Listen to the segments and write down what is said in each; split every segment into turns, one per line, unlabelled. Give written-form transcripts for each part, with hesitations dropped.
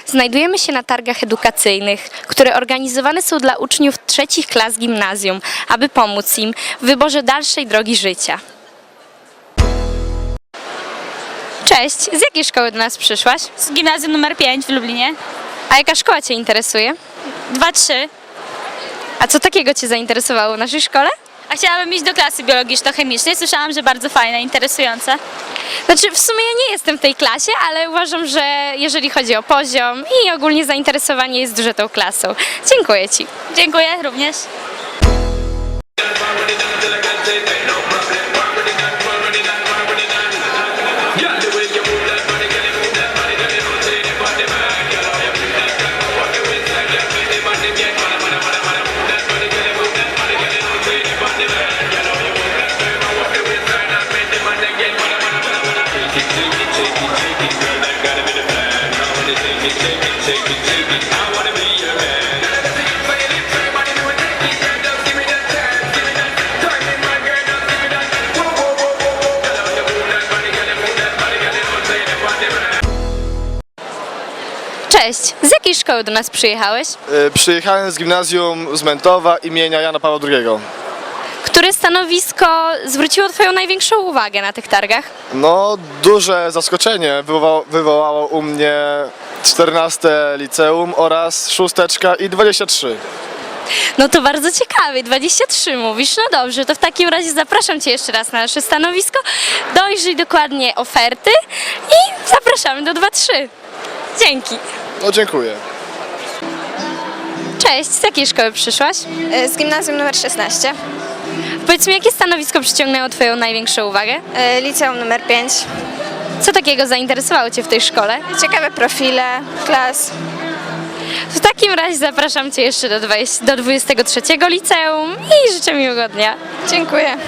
Znajdujemy się na targach edukacyjnych, które organizowane są dla uczniów trzecich klas gimnazjum, aby pomóc im w wyborze dalszej drogi życia. Cześć, z jakiej szkoły do nas przyszłaś?
Z gimnazjum numer 5 w Lublinie.
A jaka szkoła Cię interesuje?
2-3.
A co takiego Cię zainteresowało w naszej szkole?
A chciałabym iść do klasy biologiczno-chemicznej. Słyszałam, że bardzo fajne, interesujące.
Znaczy, w sumie ja nie jestem w tej klasie, ale uważam, że jeżeli chodzi o poziom i ogólnie zainteresowanie jest duże tą klasą. Dziękuję Ci.
Dziękuję również.
Cześć, z jakiej szkoły do nas przyjechałeś?
Przyjechałem z gimnazjum z Mentowa imienia Jana Pawła II.
Które stanowisko zwróciło Twoją największą uwagę na tych targach?
No, duże zaskoczenie wywołało u mnie 14 liceum oraz 6 i 23.
No to bardzo ciekawie, 23 mówisz, no dobrze, to w takim razie zapraszam Cię jeszcze raz na nasze stanowisko, dojrzyj dokładnie oferty i zapraszamy do 2-3. Dzięki.
No, dziękuję.
Cześć, z jakiej szkoły przyszłaś?
Z gimnazjum numer 16,
Powiedz mi, jakie stanowisko przyciągnęło Twoją największą uwagę?
liceum numer 5.
Co takiego zainteresowało Cię w tej szkole?
Ciekawe profile, klas.
W takim razie zapraszam Cię jeszcze do 23 liceum i życzę miłego dnia.
Dziękuję.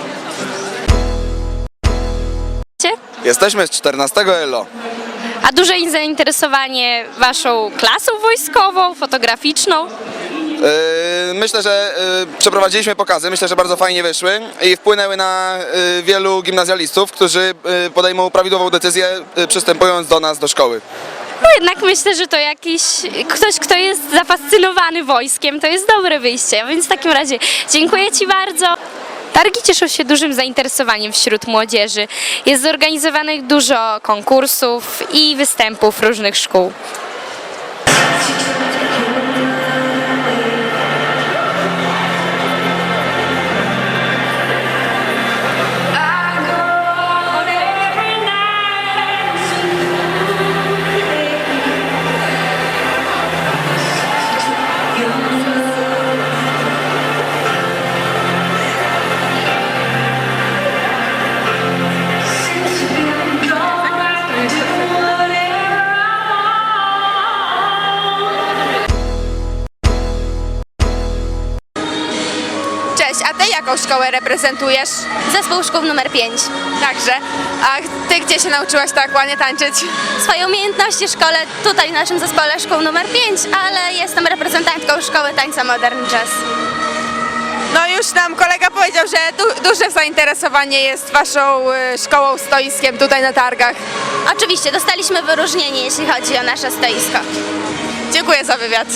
Jesteśmy z 14 ELO.
A duże jest zainteresowanie Waszą klasą wojskową, fotograficzną?
Myślę, że przeprowadziliśmy pokazy, myślę, że bardzo fajnie wyszły i wpłynęły na wielu gimnazjalistów, którzy podejmą prawidłową decyzję, przystępując do nas do szkoły.
No jednak myślę, że to jakiś ktoś, kto jest zafascynowany wojskiem, to jest dobre wyjście, więc w takim razie dziękuję Ci bardzo. Targi cieszą się dużym zainteresowaniem wśród młodzieży. Jest zorganizowanych dużo konkursów i występów różnych szkół.
Cześć, a Ty jaką szkołę reprezentujesz?
Zespół szkół numer 5.
Także. A Ty gdzie się nauczyłaś tak ładnie tańczyć?
Swoje umiejętności szkole tutaj w naszym zespole szkół numer 5, ale jestem reprezentantką szkoły tańca Modern Jazz.
No już nam kolega powiedział, że duże zainteresowanie jest Waszą szkołą, stoiskiem tutaj na targach.
Oczywiście dostaliśmy wyróżnienie, jeśli chodzi o nasze stoisko.
Dziękuję za wywiad.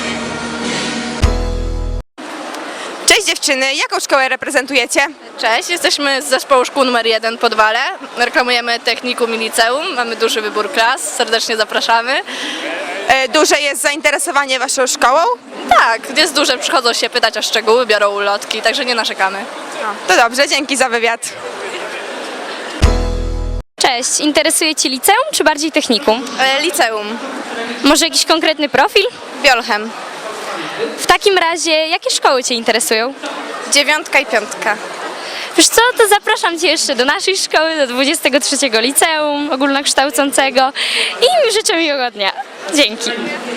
Cześć dziewczyny, jaką szkołę reprezentujecie?
Cześć, jesteśmy z zespołu szkół numer 1 Podwale. Reklamujemy technikum i liceum, mamy duży wybór klas, serdecznie zapraszamy.
Duże jest zainteresowanie Waszą szkołą?
Tak, jest duże, przychodzą się pytać o szczegóły, biorą ulotki, także nie narzekamy.
To dobrze, dzięki za wywiad.
Cześć, interesuje Cię liceum czy bardziej technikum?
Liceum,
Może jakiś konkretny profil?
Biolchem,
W takim razie, jakie szkoły Cię interesują?
9 i 5.
Wiesz co, to zapraszam Cię jeszcze do naszej szkoły, do 23 liceum ogólnokształcącego i życzę miłego dnia. Dzięki.